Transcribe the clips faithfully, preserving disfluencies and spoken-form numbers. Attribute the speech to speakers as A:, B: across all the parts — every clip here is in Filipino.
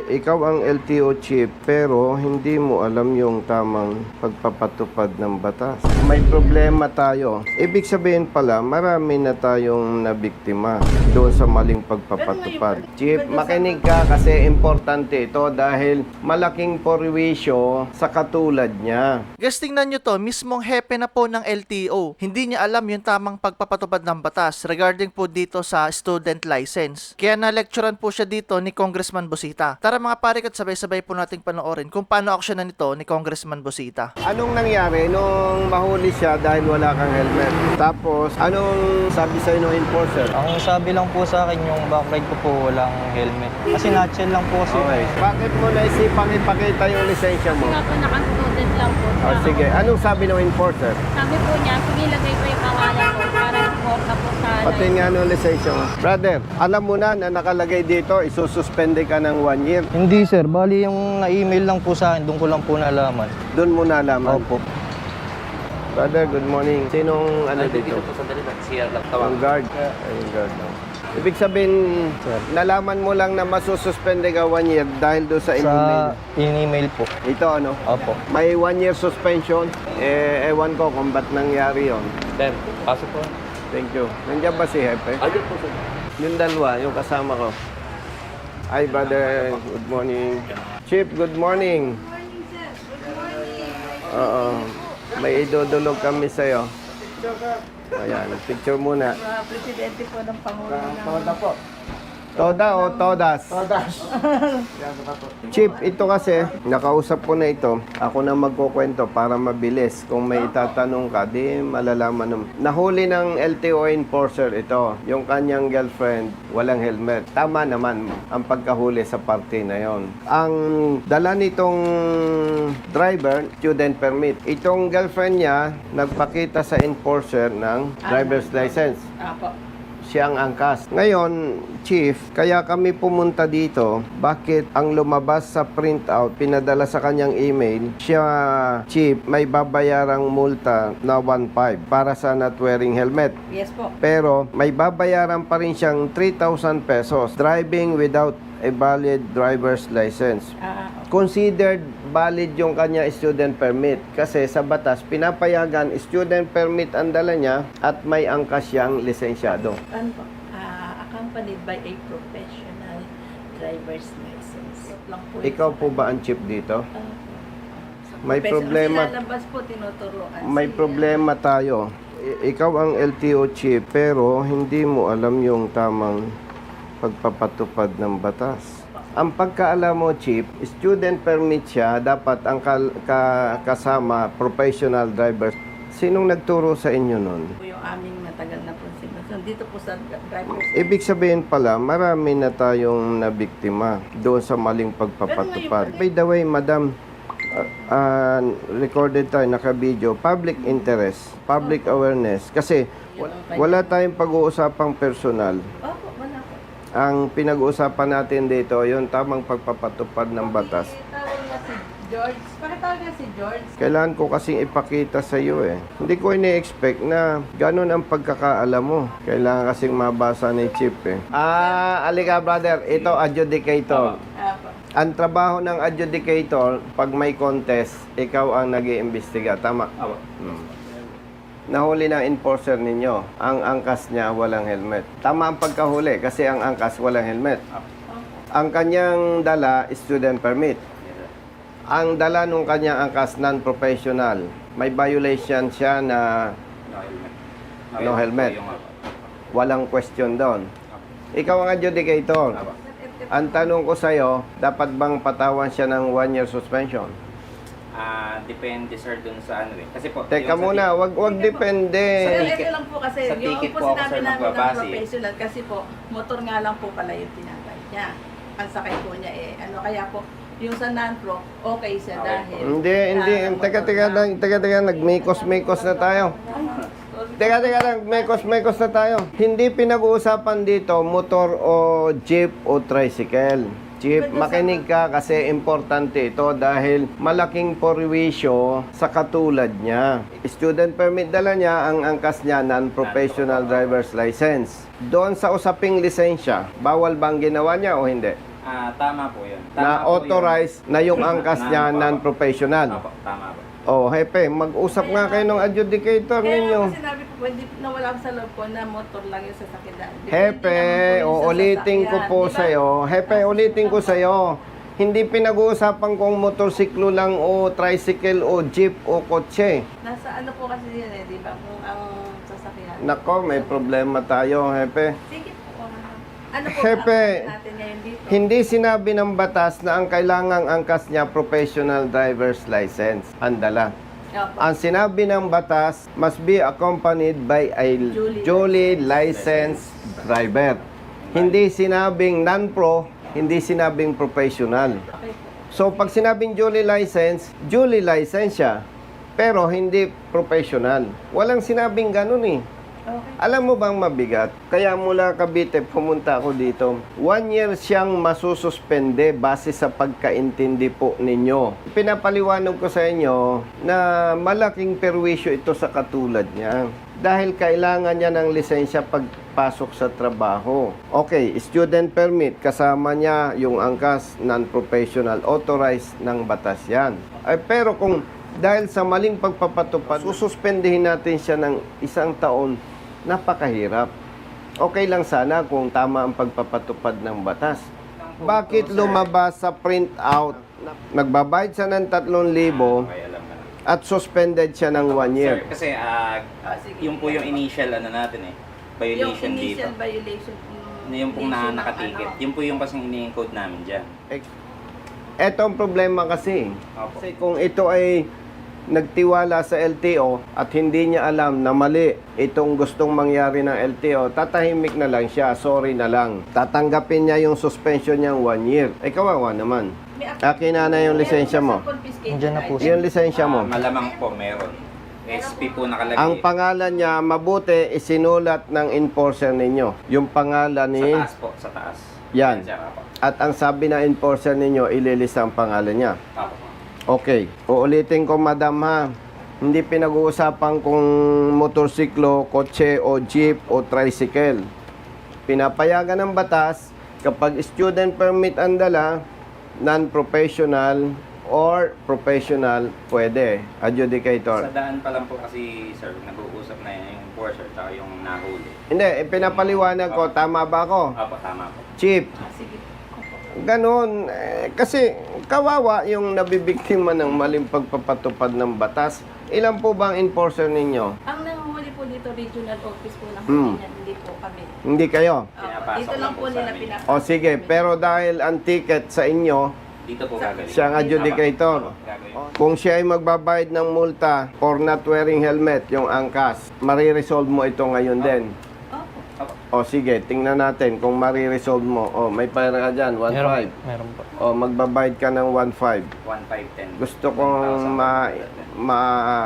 A: ikaw ang L T O chief pero hindi mo alam yung tamang pagpapatupad ng batas. May problema tayo. Ibig sabihin pala, marami na tayong nabiktima doon sa maling pagpapatupad. Chief, makinig ka kasi importante ito dahil malaking porwisyo sa katulad niya.
B: Guys, tingnan nyo to, mismong hepe na po ng L T O. Hindi niya alam yung tamang pagpapatupad ng batas regarding po dito sa student license. Kaya na-lecturean po siya dito ni Congressman Busita. Tara mga pare, at sabay-sabay po nating panoorin kung paano aksyonan nito ni Congressman Busita.
A: Anong nangyari nung mahuli siya dahil wala kang helmet? Tapos, anong sabi sa'yo ng enforcer?
C: Ang sabi lang po sa akin, yung backride ko po walang helmet. Kasi nutshell lang po kasi.
A: Okay. Bakit mo naisipang ipakita yung lisensya mo?
D: Nga po, naka-student lang po.
A: Oh, sige. Anong sabi ng enforcer?
D: Sabi po niya, sige lagay ko yung pangalan ko para report na po sa
A: Pati nga nung lisensya mo. Brother, alam mo na na nakalagay dito, isususpende ka ng one year.
C: Hindi sir, bali yung na-email lang po sa akin, doon ko lang po naalaman.
A: Doon mo nalaman.
C: Opo.
A: Brother, good morning. Sinong ano dito?
E: Dito po sandali lang. C R lang
A: Yung
E: tawag.
A: guard. Ay, yung guard lang. Ibig sabihin,
C: Sir.
A: nalaman mo lang na masususpende ka one year dahil doon sa
C: Sa
A: email.
C: in-email po.
A: Ito ano?
C: Opo.
A: May one year suspension. Eh, ewan ko kung ba't nangyari yon.
E: Then, pasok po.
A: Thank you. Nandiyan ba si Hepe?
E: Ayun po sir.
A: Yung dalawa, yung kasama ko. Hi, brother. Good morning. Chief, good morning.
D: Good morning, sir. Good morning.
A: Oo. May idudulog kami sa'yo. Ayan, picture muna.
D: Presidente po ng Pangulo.
A: Toda o todas? Todas. Chief, ito kasi, nakausap ko na ito. Ako na magkukwento para mabilis. Kung may itatanong ka, di malalaman naman. Nahuli ng L T O enforcer ito. Yung kanyang girlfriend, walang helmet. Tama naman ang pagkahuli sa party na yon. Ang dala nitong driver, student permit. Itong girlfriend niya, nagpakita sa enforcer ng driver's license.
D: Apo.
A: Siya ang angkas. Ngayon, Chief, kaya kami pumunta dito, bakit ang lumabas sa printout, pinadala sa kanyang email, siya, Chief, may babayarang multa na one point five para sa not wearing helmet.
D: Yes po.
A: Pero may babayaran pa rin siyang three thousand pesos driving without a valid driver's license.
D: Ah,
A: Considered valid yung kanya student permit kasi sa batas pinapayagan student permit ang dala niya at may angkas siyang lisensyado.
F: Ano po? Ah, accompanied by a professional driver's license. Lang po
A: Ikaw po ba ang chief dito?
F: Ah,
A: May problema.
F: Kasi lalabas po, tinuturuan.
A: May
F: siya.
A: problema tayo. I- ikaw ang L T O chief pero hindi mo alam yung tamang pagpapatupad ng batas. Ang pagkaalam mo, Chief, student permit siya, dapat ang kal- ka- kasama professional driver. Sinong nagturo sa inyo nun?
F: Po yung aming matagal na po sinunod. Dito po sa driver's
A: Ibig sabihin pala, marami na tayong nabiktima doon sa maling pagpapatupad. By the way, madam, uh, uh, recorded tayo, naka-video, public interest, public awareness. Kasi wa- wala tayong pag-uusapang personal.
F: Opo, wala po.
A: Ang pinag-uusapan natin dito, yung tamang pagpapatupad ng batas.
F: Pakitawag nga si George. Pakitawag nga si George.
A: Kailangan ko kasing ipakita sa iyo eh. Hindi ko ini-expect na ganun ang pagkakaalam mo. Kailangan kasing mabasa ni Chief eh. Ah, alika brother, ito adjudicator.
F: Apo.
A: Ang trabaho ng adjudicator, pag may contest, ikaw ang nag-iimbestiga. Tama?
E: Awa.
A: Hmm. Nahuli ng enforcer ninyo. Ang angkas niya walang helmet. Tama ang pagkahuli kasi ang angkas walang helmet. Ang kanyang dala, student permit. Ang dala nung kanyang angkas, non-professional. May violation siya na
E: No helmet.
A: No helmet.
E: Yung, uh,
A: walang question doon. Ikaw ang adjudicator.
E: Awa.
A: Ang tanong ko sa'yo, dapat bang patawan siya ng one year suspension?
E: Ah, depende sir dun sa ano eh. Kasi po,
A: Teka
E: yung sa
A: muna,
E: ti-
A: wag wag depende.
F: Sir,
E: ticket-
F: ito lang po kasi,
E: sa
F: yung
E: ticket
F: po
E: po ako,
F: sinabi
E: sir,
F: namin ng
E: nagbabase.
F: professional kasi po, motor nga lang po pala yung tinatay niya. Ang sakay po niya eh, ano kaya po, yung sa non-pro, okay siya
E: Okay.
F: dahil.
A: Hindi, hindi.
F: ah,
A: Teka,
F: motor
A: teka
F: na.
A: lang. Teka, teka. Nagmikos-mikos na tayo. Teka, teka lang. Mekos-mekos na tayo. Hindi pinag-uusapan dito motor o jeep o tricycle. Chief, makinig ka kasi importante ito dahil malaking porwisyo sa katulad niya. Student permit dala niya, ang angkas niya, non-professional driver's license. Doon sa usaping lisensya, bawal bang ginawa niya o hindi?
E: Ah, tama po yun. Tama
A: Na
E: po
A: authorized na yung angkas niya
E: Na-
A: non-professional.
E: Opo, tama po.
A: Oh, hepe, mag-usap nga kayo ng adjudicator
F: Kaya
A: ninyo.
F: nga sinabi ko, hindi nawala ko sa loob ko na motor lang yung sasakyan. Depende
A: Hepe,
F: naman po yung
A: uulitin ko
F: sasakyan,
A: po
F: di ba?
A: sa'yo. Hepe, ulitin ko sa'yo. Hindi pinag-uusapan kung motorsiklo lang o tricycle o jeep o kotse.
F: Nasa ano po kasi yan eh, di ba? Kung ang sasakyan.
A: Nako, may problema tayo, hepe.
F: Sige po. Ano po
A: Hepe,
F: ang natin ngayon dito?
A: Hindi sinabi ng batas na ang kailangang angkas niya professional driver's license. Andala.
F: Opo.
A: Ang sinabi ng batas must be accompanied by a
F: Duly
A: duly licensed driver. Hindi sinabing non-pro, hindi sinabing professional.
F: Okay po.
A: So pag sinabing duly licensed, duly licensed siya, pero hindi professional. Walang sinabing ganun eh.
F: Okay.
A: Alam mo bang mabigat? Kaya mula Cavite pumunta ako dito. One year siyang masususpende base sa pagkaintindi po ninyo. Pinapaliwanag ko sa inyo na malaking perwisyo ito sa katulad niya. Dahil kailangan niya ng lisensya pagpasok sa trabaho. Okay, student permit, kasama niya yung angkas non-professional, authorized ng batas yan. Ay, pero kung dahil sa maling pagpapatupad, sususpendihin natin siya ng isang taon, napakahirap. Okay lang sana kung tama ang pagpapatupad ng batas. Bakit lumabas sa printout, nagbabayad siya ng tatlong libo
E: Okay, alam na.
A: at suspended siya ng one year?
E: Sir, kasi ah,
F: Ah, sige.
E: yung po yung initial ano natin eh.
F: Yung
E: Violation dito.
F: initial violation.
E: Na yung pong na
F: violation ng
E: nakaticket.
F: ano.
E: Yung po yung kasing ini-encode namin dyan.
A: Ito ang problema kasi.
E: Opo.
A: Kasi kung ito ay nagtiwala sa L T O at hindi niya alam na mali itong gustong mangyari ng L T O, tatahimik na lang siya, sorry na lang. Tatanggapin niya yung suspension niyang one year. Eh, kawawa naman.
F: May act-
A: Akin na na yung lisensya mo.
F: Meron po sa confiscation
C: Nandiyan na po
F: right?
C: siya.
A: Yung lisensya mo.
E: Ah, malamang po meron. S P po nakalagay.
A: Ang pangalan niya, mabuti, isinulat ng enforcer ninyo. Yung pangalan
E: sa
A: ni...
E: taas po, sa taas.
A: Yan.
E: Sir, apo.
A: At ang sabi ng enforcer ninyo, ililista ang pangalan niya.
E: Apo.
A: Okay. Uulitin ko, madam ha. Hindi pinag-uusapan kung motorsiklo, kotse o jeep o tricycle. Pinapayagan ng batas kapag student permit ang dala, non-professional or professional, pwede. Adjudicator.
E: Sa daan pa lang po kasi, sir, nag-uusap na yung enforcer at yung nahuli.
A: Hindi, eh, pinapaliwanag ko. Tama ba ako?
E: Apo, tama po.
A: Chief,
F: Ah, sige.
A: ganon. Eh, kasi kawawa yung nabibiktima ng maling pagpapatupad ng batas. Ilan po ba ang enforcer ninyo?
F: Ang nanguhuli po dito, regional office po ng
A: Hmm.
F: Pilipinas, hindi po kami.
A: Hindi kayo?
F: Opo,
E: Pinapasok
F: dito lang
E: lang
F: po
E: po sa
F: nila
E: amin.
F: pinapasok.
A: O sige, pero dahil ang ticket sa inyo,
E: Dito po gagawin.
A: siya ang adjudicator.
E: Apo, gagawin.
A: Kung siya ay magbabayad ng multa for not wearing helmet, yung angkas, mariresolve mo ito ngayon din.
F: Opo.
A: O sige, tingnan natin kung mariresolve mo. O, may pera ka dyan, one
C: Meron,
A: five.
C: meron po.
A: O, magbabayad ka ng one five.
E: one five ten.
A: Gusto kong ma, ma,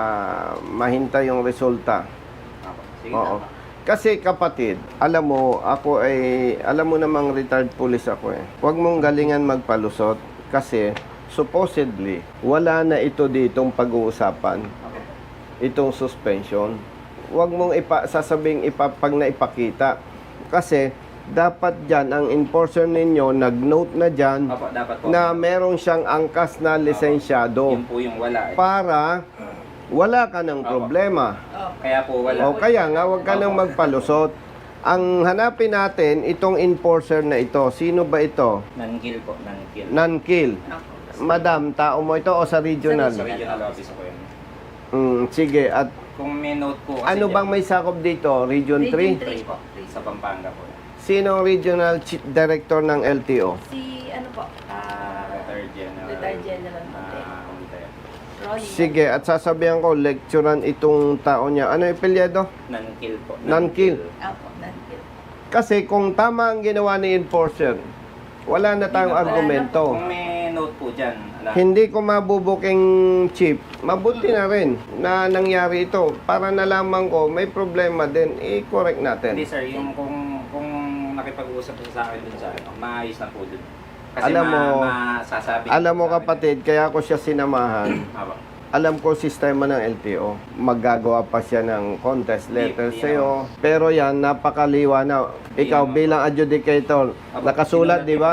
A: mahintay yung resulta.
E: Apo. Sige,
A: Oo.
E: tama.
A: Kasi kapatid, alam mo, ako ay, alam mo namang retired police ako eh. Huwag mong galingan magpalusot kasi supposedly, wala na ito ditong pag-uusapan. Itong suspension. Huwag mong ipa, sasabing ipa, pag naipakita. Kasi, dapat dyan, ang enforcer ninyo, nag-note na dyan,
E: Apo, dapat po.
A: na merong siyang angkas na lisensyado
E: Yun po yung wala eh.
A: para wala ka ng problema.
E: Kaya po wala.
A: O kaya nga, huwag ka nang magpalusot. Ang hanapin natin, itong enforcer na ito. Sino ba ito?
E: Non-kill po, non-kill.
A: Non-kill.
F: Opo.
A: Madam, tao mo ito o sa regional?
E: Sa regional office po yun.
A: Mm, sige, at
E: Kung may note po kasi
A: ano
E: dyan,
A: bang may sakop dito? Region three?
F: Region three po.
E: sa Pampanga po.
A: Sino ang regional chief director ng L T O?
F: Si ano po? Ah,
E: Retired General.
F: Retired General Monte.
E: Ah, Monte.
F: Ronnie.
A: Sige, at sasabihan ko, lecturean itong tao niya. Ano yung apelyido?
E: Non-kill po.
A: Non-kill.
F: Opo, non-kill.
A: Kasi kung tama ang ginawa ni enforcer, wala na tayong
F: Wala na.
A: argumento.
E: Kung may note po dyan, ala,
A: Hindi ko mabubuking chief. Mabuti na rin na nangyari ito. Para nalaman ko, may problema din, i-correct natin.
E: hindi sir, yung kung kung nakipag-uusap po sa akin dun sa ano, maayos na po dun. Kasi
A: Alam
E: ma,
A: mo-
E: masasabi
A: Alam mo
E: sa akin.
A: kapatid, kaya ako siya sinamahan.
E: Apo.
A: Alam ko sistema ng L T O. Maggagawa pa siya ng contest letter
E: Hindi, hindi
A: sa'yo. Pero yan, napakaliwa na. Ikaw
E: naman.
A: bilang adjudicator,
E: Apo,
A: nakasulat,
E: sinulat
A: di
E: yung
A: ba?
E: pangalan ko.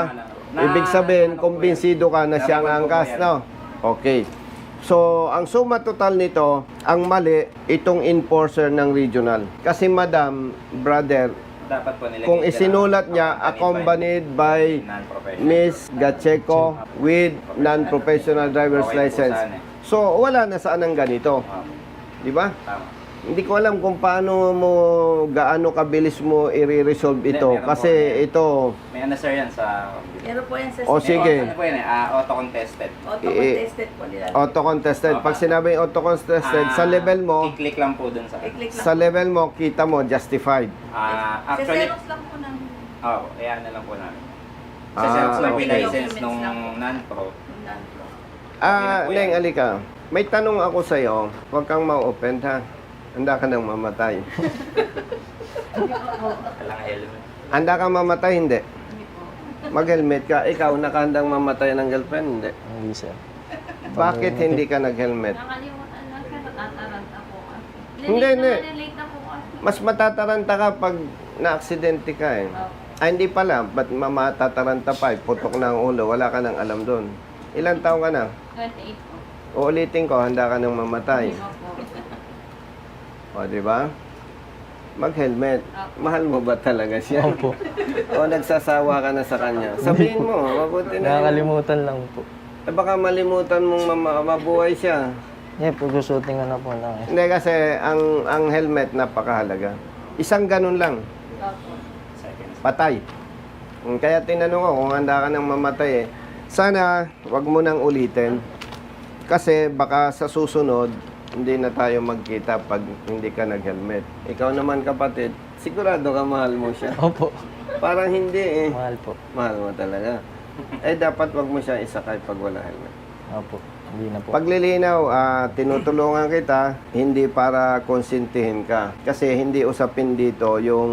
E: Na-
A: Ibig sabihin,
E: ano po
A: kumbinsido ka na
E: yan?
A: siya ang
E: Narinig ko po
A: angkas,
E: yan.
A: no? Okay. So, ang suma total nito, ang mali, itong enforcer ng regional. Kasi madam, brother,
E: Dapat po nilagay
A: kung
E: dyan
A: isinulat
E: ang
A: niya, accompanied by
E: non-professional.
A: Miss Gacheco with non-professional driver's
E: Okay po
A: license.
E: sana eh.
A: So, wala na saan ang ganito.
E: Opo,
A: Di ba?
E: tama.
A: Hindi ko alam kung paano mo, gaano kabilis mo i-resolve ito.
E: Hindi, meron
A: Kasi
E: po.
A: ito,
E: May ano sir yan sa computer.
F: Meron po yan sa
A: O,
E: May
A: sige.
E: Ano po yan eh, ah, auto-contested.
F: Auto-contested po nila.
A: auto-contested. Pag sinabing auto-contested, sa
E: Ah,
A: level mo,
E: I-click lang po dun sa...
F: I-click lang.
A: sa level mo, kita mo, justified.
E: Ah,
F: Sa
E: actually,
F: Xerox lang po ng
E: oh, ayan na lang po namin. Sa
A: Ah,
E: Xerox lang po yung
A: okay.
E: license nung
F: Documents lang po.
E: non-pro.
F: non-pro.
A: Ah,
E: Okay na po
A: Neng,
E: yan.
A: alika. May tanong ako sa'yo. Huwag kang ma-open, ha? Handa ka nang mamatay.
E: Walang helmet.
A: Handa kang mamatay, hindi.
F: Hindi po.
A: Mag-helmet ka. Ikaw, nakahandang mamatay ng girlfriend, hindi.
C: Hindi, sir.
A: Bakit hindi ka nag-helmet?
D: Nakalimutan lang siya, natataranta po kasi.
A: Hindi,
D: Late
A: hindi.
D: naman, late na po kasi.
A: Mas matataranta ka pag na-aksidente ka, eh.
D: Opo.
A: Ay, hindi pala. Ba't mamatataranta pa, eh? Putok na ang ulo. Wala ka nang alam doon. Ilan taong ka na?
D: twenty-eight po.
A: Uulitin ko, handa ka nang mamatay.
D: Opo.
A: O, di ba? Mag-helmet. Mahal mo ba talaga siya?
C: Opo.
A: O nagsasawa ka na sa kanya? Sabihin mo, mabuti na yun.
C: Nakakalimutan lang po.
A: Eh, baka malimutan mong mama- mabuhay siya.
C: Yeah, pag-shooting na po lang eh.
A: Hindi kasi ang ang helmet napakahalaga. Isang ganun lang,
D: Opo.
E: Seconds.
A: patay. Mm, Kaya tinanong ko kung handa ka nang mamatay eh. Sana wag mo nang ulitin. Kasi baka sa susunod, hindi na tayo magkita pag hindi ka nag-helmet. Ikaw naman kapatid, sigurado ka mahal mo siya.
C: Opo.
A: Parang hindi eh.
C: Mahal po.
A: Mahal mo talaga. Eh dapat wag mo siya isakay pag wala helmet.
C: Opo. Hindi na po.
A: Paglilinaw, ah, tinutulungan kita hindi para konsintihin ka. Kasi hindi usapin dito yung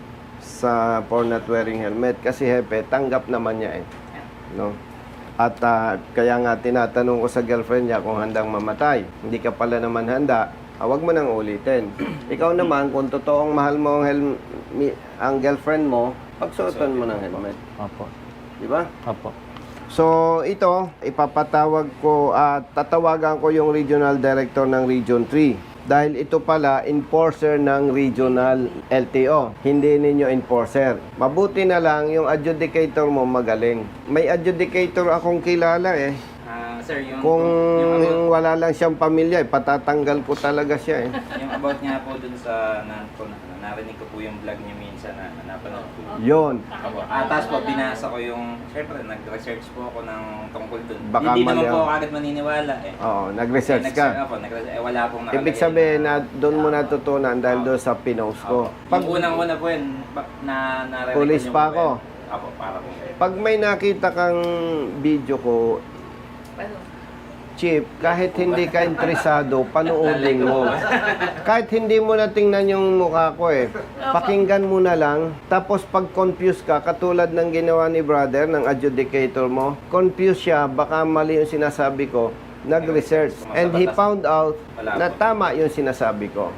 A: sa for not wearing helmet. Kasi hepe, tanggap naman niya eh. No? At ah, kaya nga tinatanong ko sa girlfriend niya kung handang mamatay. Hindi ka pala naman handa, ah, wag mo nang ulitin. Ikaw naman, kung totoong mahal mo ang, helm- mi- ang girlfriend mo, pagsuotan mo ng helmet.
C: Opo.
A: Di ba?
C: Opo.
A: So, ito, ipapatawag ko at tatawagan ko yung regional director ng Region three. Dahil ito pala, enforcer ng regional L T O. Hindi ninyo enforcer. Mabuti na lang yung adjudicator mo magaling. May adjudicator akong kilala eh.
E: Ah, sir, yung,
A: Kung
E: yung, about,
A: wala lang siyang pamilya, eh, patatanggal ko talaga siya eh.
E: yung about nga po dun sa non-pro, na, narinig ko po yung vlog niyo minsan na napanood ko.
A: Yon.
E: Ako, ah, tapos po, binasa ko yung, syempre, nag-research po ako ng tungkol dun.
A: Baka
E: Hindi naman
A: mali
E: po
A: ang-
E: ako agad maniniwala eh.
A: Oo, nag-research
E: Eh,
A: ka.
E: nag-search ako, nag-research, eh, wala pong nakalagay
A: Ibig sabihin na doon mo natutunan dahil doon sa pinost ko.
E: Pag unang-una po yun, ba- na narinig
A: Police
E: niyo
A: pa
E: po
A: ako.
E: yun. Apo, para po.
A: Pag may nakita kang video ko,
F: Paano?
A: Chip, kahit hindi ka interesado, panuodin mo. Kahit hindi mo na tingnan yung mukha ko eh. Pakinggan mo na lang. Tapos pag confused ka, katulad ng ginawa ni brother, ng adjudicator mo, confused siya, baka mali yung sinasabi ko, nag-research. And he found out na tama yung sinasabi ko.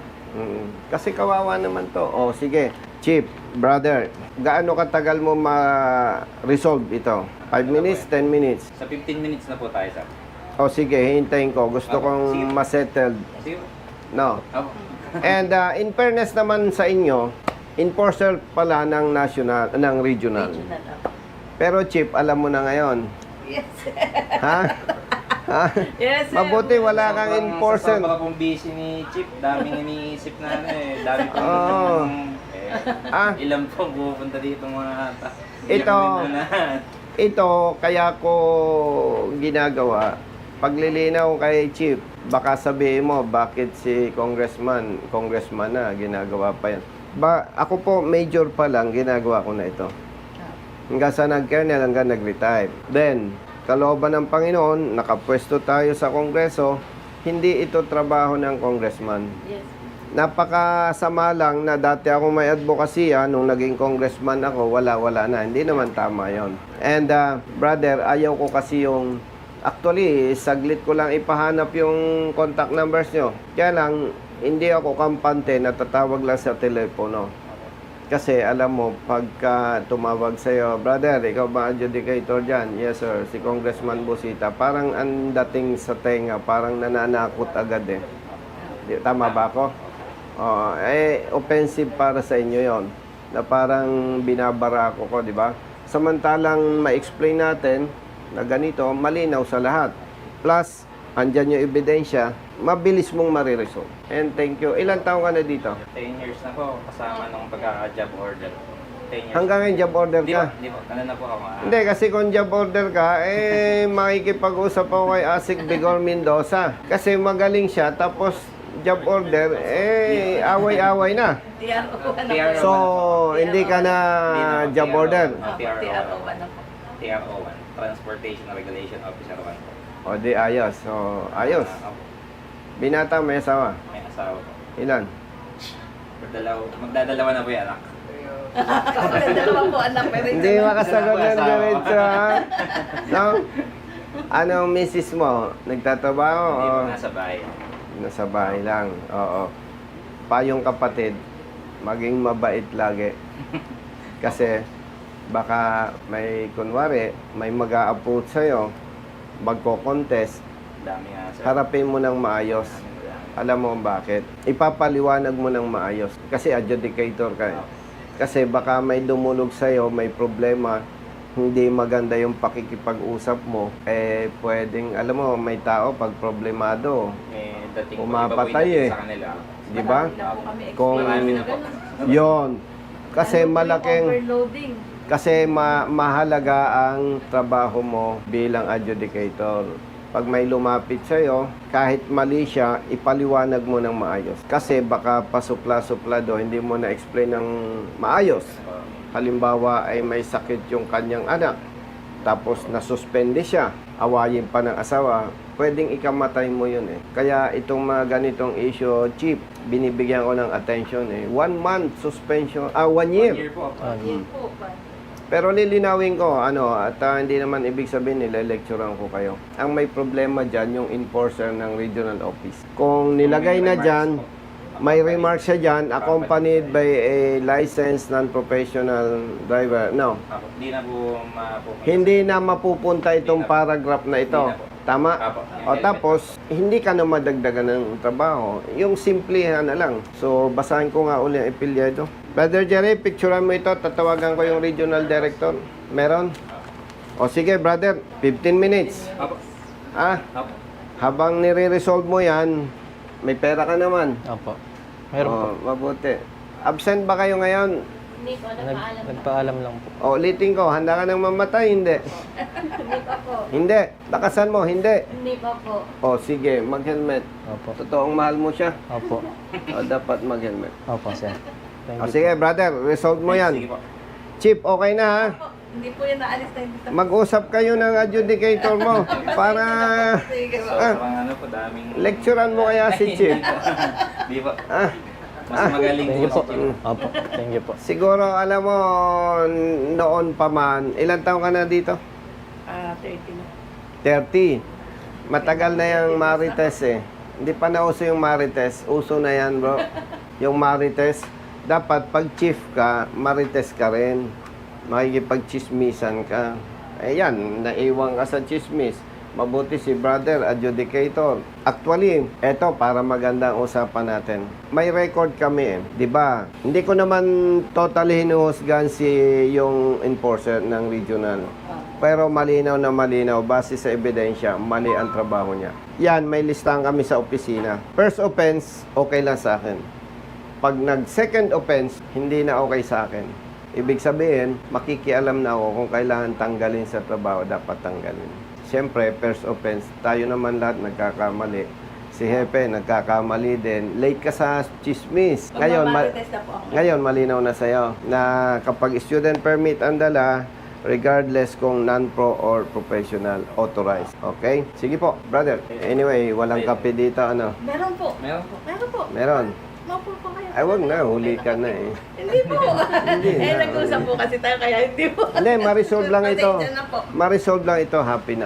A: Mm. Kasi kawawa naman to. O sige, Chip, brother, gaano katagal mo ma-resolve ito? five minutes, ten minutes?
E: Sa fifteen minutes na po tayo, sir.
A: O sige, hintayin ko. Gusto
E: Apo,
A: kong
E: sige.
A: ma-settled.
E: Sige.
A: No.
E: Apo.
A: And uh, in fairness naman sa inyo, enforcer pala ng national, ng regional.
F: Regional ako.
A: Pero Chip, alam mo na ngayon.
F: Yes.
A: Ha? Ha?
F: Yes, sir.
A: Mabuti wala kang
E: Sobrang-
A: enforcer.
E: Sa sobrang pong busy ni Chip, daming iniisip na ano eh. Dami pong...
A: Oo.
E: eh,
A: Ah.
E: Ilan pong pupunta dito mga... ta-
A: Ito-
E: ilang na.
A: Ito, kaya ko ginagawa. Paglilinaw kay Chief, baka sabihin mo, bakit si congressman, congressman na, ginagawa pa yan. Ba, ako po, major pa lang, ginagawa ko na ito. Hanggang sa nag-kernel, hanggang nag-retire. Then, kalooban ng Panginoon, nakapwesto tayo sa kongreso, hindi ito trabaho ng congressman.
F: Yes.
A: Napakasama lang na dati ako may advokasya, nung naging congressman ako, wala-wala na. Hindi naman tama yon. And uh, brother, ayaw ko kasi yung, actually, saglit ko lang ipahanap yung contact numbers nyo. Kaya lang, hindi ako kampante na tatawag lang sa telepono. Kasi alam mo, pagka tumawag sa'yo, brother, ikaw ba adjudicator dyan? Yes sir, si Congressman Busita. Parang ang dating sa tenga, parang nananakot agad eh. Di- Tama ba ako? Oo, eh, offensive para sa inyo yon na parang binabara ako ko, di ba? Samantalang ma-explain natin na ganito, malinaw sa lahat. Plus, andyan yung ebidensya, mabilis mong mariresolve. And thank you. Ilan taong ka na dito?
E: ten years na po kasama nung pagka-job order. ten years.
A: Hanggang ngayon job order
E: Di
A: ka?
E: ba? Di ba? Ano na po ako? ah,
A: Hindi, kasi kung job order ka, eh, makikipag-usap ako kay Asik Bigor Mendoza. Kasi magaling siya, tapos job order, eh, away-away na.
F: T R O ano
E: T R O.
F: po?
A: So, hindi ka na
E: Hindi na po,
A: job
E: T R O.
A: order.
E: Ah,
F: T R O ano po?
E: T R O one. Transportation Regulation Officer one po.
A: O, di ayos. So, ayos.
E: Ah, opo.
A: Binata, may asawa.
E: May asawa po.
A: Ilan?
E: Magdalaw, magdadalawa na po yung anak.
F: Dalawa po anak, pero
A: Hindi makasagot ng
E: Asawa.
A: diretso, ha? No? Anong misis mo? Nagtatrabaho?
E: Hindi
A: O
E: po nasa bahay.
A: nasa bahay lang? Oo. Payong kapatid, maging mabait lagi. Kasi, baka may, kunwari, may mag-a-approach sa'yo, magko-contest,
E: Dami nga sir.
A: harapin mo ng maayos.
E: Dami, dami.
A: Alam mo bakit? Ipapaliwanag mo ng maayos. Kasi adjudicator ka eh. Kasi baka may dumulog sa'yo, may problema, hindi maganda yung pakikipag-usap mo, eh pwedeng, alam mo, may tao pag problemado,
E: May dating po,
A: Umapatay
E: iba po yung
A: eh.
E: sa kanila.
A: di ba?
F: Marami na po kami
A: Kung-
E: Marami na po.
A: Yon. Kasi
F: Ano po yung
A: malaking,
F: overloading.
A: kasi ma- mahalaga ang trabaho mo bilang adjudicator. Pag may lumapit sa'yo, kahit mali siya, ipaliwanag mo ng maayos. Kasi baka pasupla-suplado, hindi mo na-explain ng maayos. Halimbawa ay may sakit yung kanyang anak, tapos nasuspende siya, awayin pa ng asawa, pwedeng ikamatay mo yun eh. Kaya itong mga ganitong issue, Chief, binibigyan ko ng attention eh. One month suspension, ah, one year.
E: One year po.
F: Yun po pa.
A: Pero lilinawin ko, ano, at ah, hindi naman ibig sabihin nila-lecturean ko kayo. Ang may problema dyan, yung enforcer ng regional office. Kung nilagay na dyan, may remark siya dyan, accompanied by a licensed non-professional driver. No,
E: Apo, Di na po mapupunta.
A: hindi na mapupunta itong paragraph na ito. Tama?
E: Apo.
A: O tapos, hindi ka na madagdagan ng trabaho. Yung simplihan na lang. So, basahin ko nga uli ang epilyedo. Brother Jerry, picturean mo ito. Tatawagan ko yung regional director. Meron? O sige, brother. fifteen minutes.
E: Apo.
A: Ah,
E: Apo.
A: habang nire-resolve mo yan, may pera ka naman.
C: Opo. Meron po.
A: O, mabuti. Absent ba kayo ngayon?
D: Hindi po,
C: Nag,
D: nagpaalam na.
C: nagpaalam lang po.
A: O, ulitin ko. Handa ka nang mamatay? Hindi.
D: Hindi pa po.
A: Hindi. Lakasan mo. Hindi.
D: Hindi pa po.
A: O, sige. Mag-helmet.
C: Opo.
A: Totoong mahal mo siya.
C: Opo.
A: O, dapat mag-helmet.
C: Opo, sir. Thank
A: O,
C: you.
A: sige, brother. Resolve mo
E: Sige
A: yan.
E: po.
A: Chief, okay na ha?
F: Po, Hindi po yan naalis na hindi.
A: Mag-usap kayo ng adjudicator mo para
F: Sige po.
A: Ah.
E: Sobrang ano po, daming...
A: lecturean mo kaya si Chief.
E: Di ba?
A: Ah,
E: Mas magaling
C: Thank you
E: po
C: po.
E: si Chief.
C: Opo. Thank you po.
A: siguro, alam mo, noon pa man, ilan taong ka na dito?
F: Ah, thirty na.
A: thirty. Matagal na yung Marites eh. Hindi pa na uso yung Marites. Uso na yan, bro. Yung Marites. Dapat pag chief ka, Marites ka rin. Makikipag-chismisan ka. Eh yan, naiwan ka sa chismis. Mabuti si brother, adjudicator. Actually, eto para magandang usapan natin. May record kami eh, 'di ba? Hindi ko naman totally hinuhusgan si yung enforcer ng regional. Pero malinaw na malinaw, base sa ebidensya, mali ang trabaho niya. Yan, may listahan kami sa opisina. First offense, okay lang sa akin. Pag nag-second offense, hindi na okay sa akin. Ibig sabihin, makikialam na ako kung kailangan tanggalin sa trabaho, dapat tanggalin. Siyempre, first offense, tayo naman lahat nagkakamali. Si Hepe, nagkakamali din. Late ka sa chismis. Ngayon, ma-
F: Magmamarites na po ako.
A: ngayon malinaw na sa'yo na kapag student permit ang dala, regardless kung non-pro or professional authorized. Okay? Sige po, brother. Anyway, walang kape dito, ano?
F: Meron po.
E: Meron po.
F: Meron po.
A: Meron.
F: Maupo po kayo.
A: Ay, wag na. Huli ka na eh.
F: Hindi po.
A: Hindi
F: eh,
A: na.
F: nag-usap po kasi tayo kaya hindi po.
A: Hindi, ma-resolve lang ito.
F: Pasensya na po.
A: Ma-resolve lang ito. Happy na ako.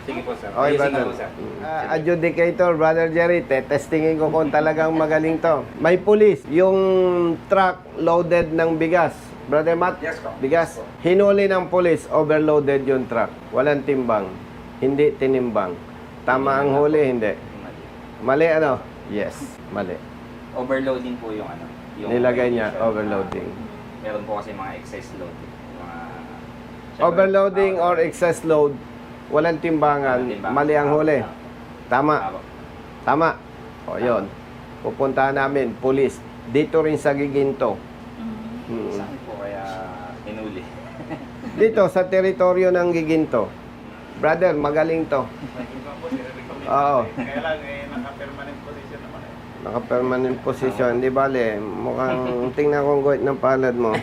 E: Sige po, sir.
A: Okay,
E: Ayusin
A: brother.
E: ko po, sir.
A: Ah, adjudicator, Brother Jerry, testingin ko kung talagang magaling to. May pulis, yung truck loaded ng bigas. Brother Matt,
E: Yes, po.
A: bigas. Hinuli ng pulis, overloaded yung truck. Walang timbang. Hindi tinimbang. Tama ang huli, hindi. Mali ano? Yes, mali.
E: Overloading po yung ano. Yung
A: Nilagay niya,
E: condition.
A: overloading.
E: Meron po kasi mga excess load. Mga...
A: Overloading or excess load, walang timbangan,
E: Walang timbangan.
A: mali ang huli. Tama.
E: Apo.
A: Tama. O, yun. Pupuntahan namin, pulis. Dito rin sa Giginto. Hmm.
E: Saan po kaya hinuli?
A: Dito, sa teritoryo ng Giginto. Brother, magaling to. Oo.
G: Kaya lang, eh, naka-permanent position naman eh.
A: Naka-permanent position. Di bale, mukhang tingnan kong guhit ng palad mo.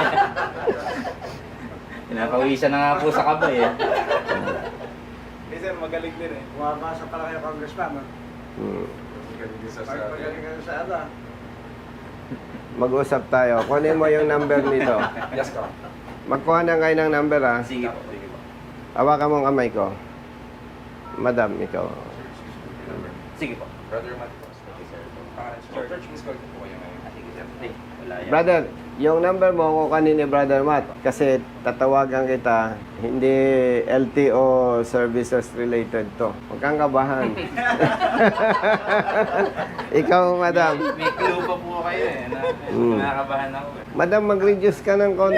E: Pinapawisan na nga po sa kabay eh.
G: Hindi sir, magaling din eh.
H: Bumabasa pala kayo, Congressman. no?
A: Hmm.
H: Pag magaling kayo sa ano.
A: Mag-usap tayo. Kunin mo yung number nito.
E: Yes, ko.
A: Magkuha na kayo ng number, ha?
E: Sige po, sige po.
A: Hawakan mo ang kamay ko. Madam, ikaw.
E: Sige po. Brother Matt po. Thank you, sir. Sir, church, miss call po kayo ngayon. Sige, sir. Hey, wala yan.
A: Brother, yung number mo kukunin ni Brother Matt kasi tatawagan kita, hindi L T O services related to. Huwag kang kabahan. Ikaw, madam.
E: May clue pa po kayo eh. Na,
A: Mm.
E: Nakakabahan ako eh.
A: Madam, mag-reduce ka ng konti.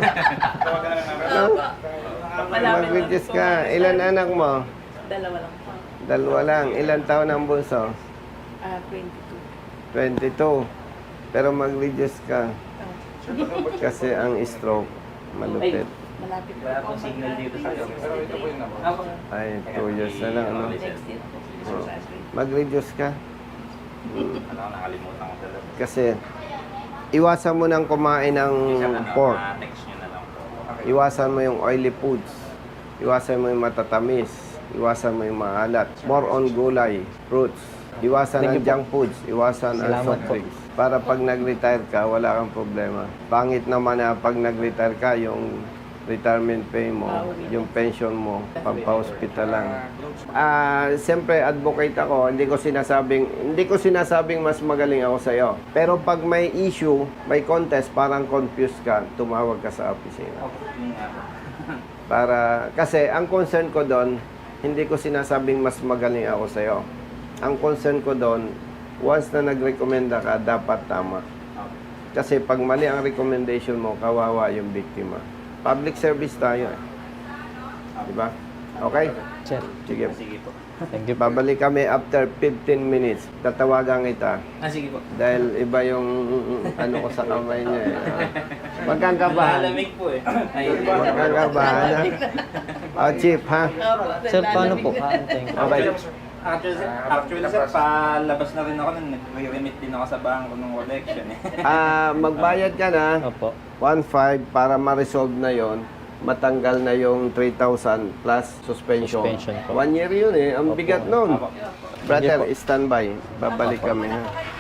A: No? Mag-reduce ka. Ilan anak mo?
F: Dalawa lang po.
A: Dalawa lang. Ilan taon ang bunso?
F: Ah, twenty-two.
A: twenty-two. Pero mag-reduce ka.
F: Oh.
A: Kasi ang stroke, malupit.
F: Malapit po
E: Wala
F: po
E: pong signal dito sa iyo. Pero ito po yung number. Ako.
A: Ay, two years na lang. Ano?
F: Next year po.
A: Oh. Mag-reduce ka. Mm.
E: Ano, nakalimutan ko talaga.
A: Kasi iwasan mo nang kumain ng pork.
E: Text nyo na lang po.
A: Iwasan mo yung oily foods. Iwasan mo yung matatamis. Iwasan mo yung maalat. More on gulay, fruits. Iwasan ang junk foods. Iwasan ang
C: Salamat
A: soft
C: po.
A: drinks. Para pag nag-retire ka, wala kang problema. Pangit naman na pag nag-retire ka, yung retirement pay mo, yung pension mo, pampa-hospital lang. Ah, siyempre advocate ako, hindi ko sinasabing hindi ko sinasabing mas magaling ako sa iyo. Pero pag may issue, may contest, parang confused ka, tumawag ka sa opisina.
E: Okay, yun nga po.
A: Para kasi ang concern ko doon, hindi ko sinasabing mas magaling ako sa iyo. Ang concern ko doon, once na nagrekomenda ka, dapat tama.
E: Okay.
A: Kasi pag mali ang recommendation mo, kawawa yung biktima. Public service tayo eh. Diba? Okay?
C: Sir,
A: Sige.
E: Sige po.
C: thank you po.
A: Babalik kami after fifteen minutes. Tatawagan kita.
E: Ah, sige po.
A: Dahil iba yung ano ko sa kamay niya eh. Huwag kang kabahan.
E: Malamig po eh. Ay,
A: Huwag kang kabahan ha. Oh, Chief ha?
C: Sir, paano po? Aantayin ko.
A: Okay.
E: Actually, sir, actually, sir, palabas na rin ako nun. Nag-remit din ako sa bangko ng collection eh.
A: Ah, magbayad ka na.
C: Opo.
A: one five para ma-resolve na yon, matanggal na yung three thousand plus suspension.
C: Suspension po.
A: One year yun eh. Ang
C: Opo.
A: bigat nun.
E: Apo.
A: Brother,
C: Sige po.
A: standby. Babalik
C: Opo.
A: kami ha.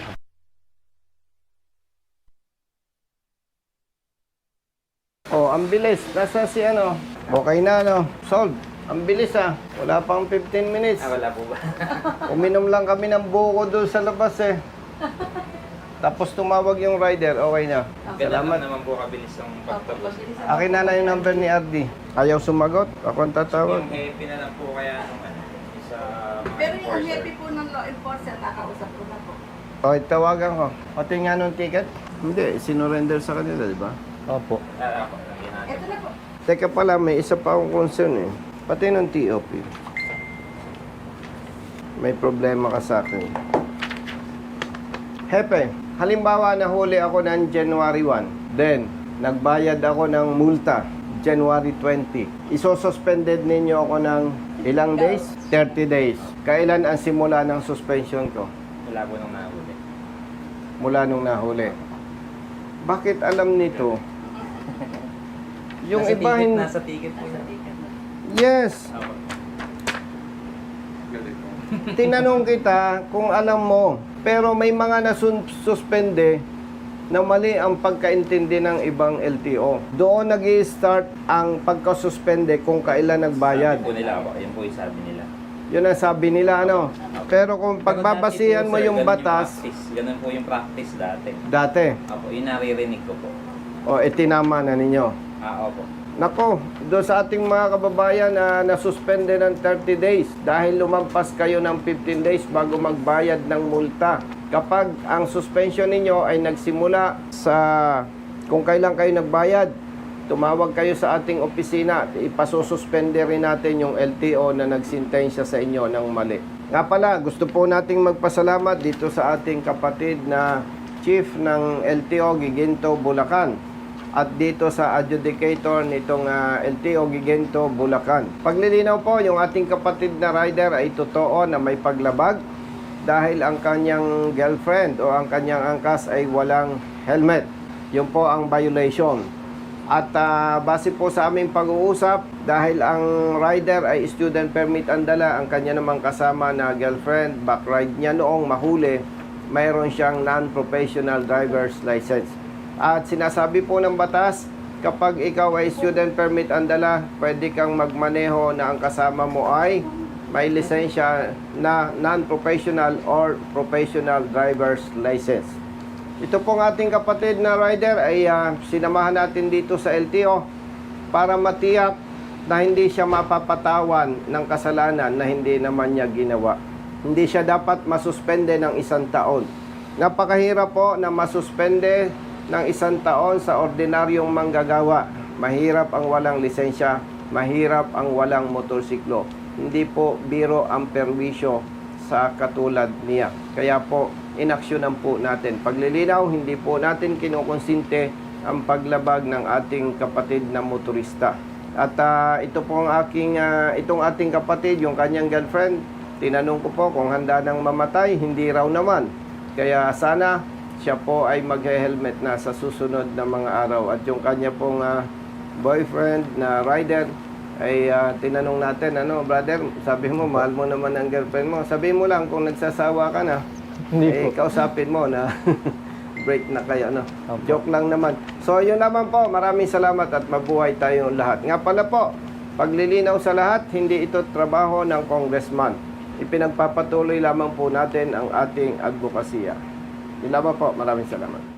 A: Oh, ang bilis. Nasa si ano? Okay na ano? Solved. Ang bilis ah. Wala pang fifteen minutes.
E: Ah, wala po ba?
A: Uminom lang kami ng buko doon sa labas eh. Tapos tumawag yung rider, okay na.
E: Ganun
A: Salamat.
E: naman po kabilis ang pagtapos.
A: Akin na na yung number ni R D. Ayaw sumagot, ako ang tatawag.
E: Yung happy na lang po kaya nung ano, isa mga
F: Pero yung
E: enforcer.
F: happy po ng law enforcer, nakausap ko na po.
A: Okay, tawagan ko. O tingnan nung ticket? Hindi, sinurrender sa kanila, di ba?
C: Opo.
E: Ah, ako, lagyan natin.
F: Ito na po.
A: Teka pala, may isa pa akong concern eh. Pati ng T O P. May problema ka sa akin. Hepe, halimbawa nahuli ako ng January one. Then, nagbayad ako ng multa January twenty. Iso-suspended ninyo ako ng ilang days? thirty days. Kailan ang simula ng suspension ko?
E: Wala po nung nahuli.
A: Mula nung nahuli. Bakit alam nito? Yung
E: nasa
A: iba
E: ticket,
A: hin-
E: nasa ticket po yun.
A: Yes.
E: Ako.
A: Tinanong kita kung alam mo. Pero may mga nasuspende, na mali ang pagkaintindi ng ibang L T O. Doon nag-i-start ang pagkasuspende kung kailan nagbayad.
E: Sabi po nila po, yun po yung sabi nila.
A: Yun ang sabi nila, ano? Pero kung pagbabasihan mo yung batas,
E: Ganun po yung practice dati.
A: dati,
E: Opo, yun naririnig ko po.
A: o itinama na ninyo.
E: Ah, opo.
A: Nako, doon sa ating mga kababayan na nasuspende ng thirty days dahil lumampas kayo ng fifteen days bago magbayad ng multa. Kapag ang suspension ninyo ay nagsimula sa kung kailan kayo nagbayad, tumawag kayo sa ating opisina, ipasususpende rin natin yung L T O na nagsintensya sa inyo ng mali. Nga pala, gusto po nating magpasalamat dito sa ating kapatid na Chief ng L T O Giginto, Bulacan, at dito sa adjudicator nitong uh, L T O Giginto, Bulacan. Paglilinaw po, yung ating kapatid na rider ay totoo na may paglabag dahil ang kanyang girlfriend o ang kanyang angkas ay walang helmet. Yun po ang violation. At uh, base po sa aming pag-uusap, dahil ang rider ay student permit ang dala, ang kanya namang kasama na girlfriend, backride niya noong mahuli, mayroon siyang non-professional driver's license. At sinasabi po ng batas, kapag ikaw ay student permit ang dala, pwede kang magmaneho na ang kasama mo ay may lisensya na non-professional or professional driver's license. Ito pong ating kapatid na rider ay uh, sinamahan natin dito sa L T O para matiyak na hindi siya mapapatawan ng kasalanan na hindi naman niya ginawa. Hindi siya dapat masuspende ng isang taon. Napakahirap po na masuspende ng isang taon sa ordinaryong manggagawa. Mahirap ang walang lisensya, mahirap ang walang motorsiklo. Hindi po biro ang perwisyo sa katulad niya. Kaya po, inaksyonan po natin. Paglilinaw, hindi po natin kinukonsinte ang paglabag ng ating kapatid na motorista. At uh, ito po ang aking, uh, itong ating kapatid, yung kanyang girlfriend, tinanong ko po kung handa nang mamatay, hindi raw naman. Kaya sana siya po ay mag-helmet na sa susunod na mga araw. At yung kanya pong uh, boyfriend na rider ay uh, tinanong natin, ano brother, sabi mo mahal mo naman ang girlfriend mo. Sabi mo lang kung nagsasawa ka na,
C: Hindi
A: eh,
C: po.
A: kausapin mo na break na kayo. No?
C: Opo.
A: Joke lang naman. So yun naman po, maraming salamat at mabuhay tayong lahat. Nga pala po, paglilinaw sa lahat, hindi ito trabaho ng congressman. Ipinagpapatuloy lamang po natin ang ating advokasya. Yun lamang po, maraming salamat.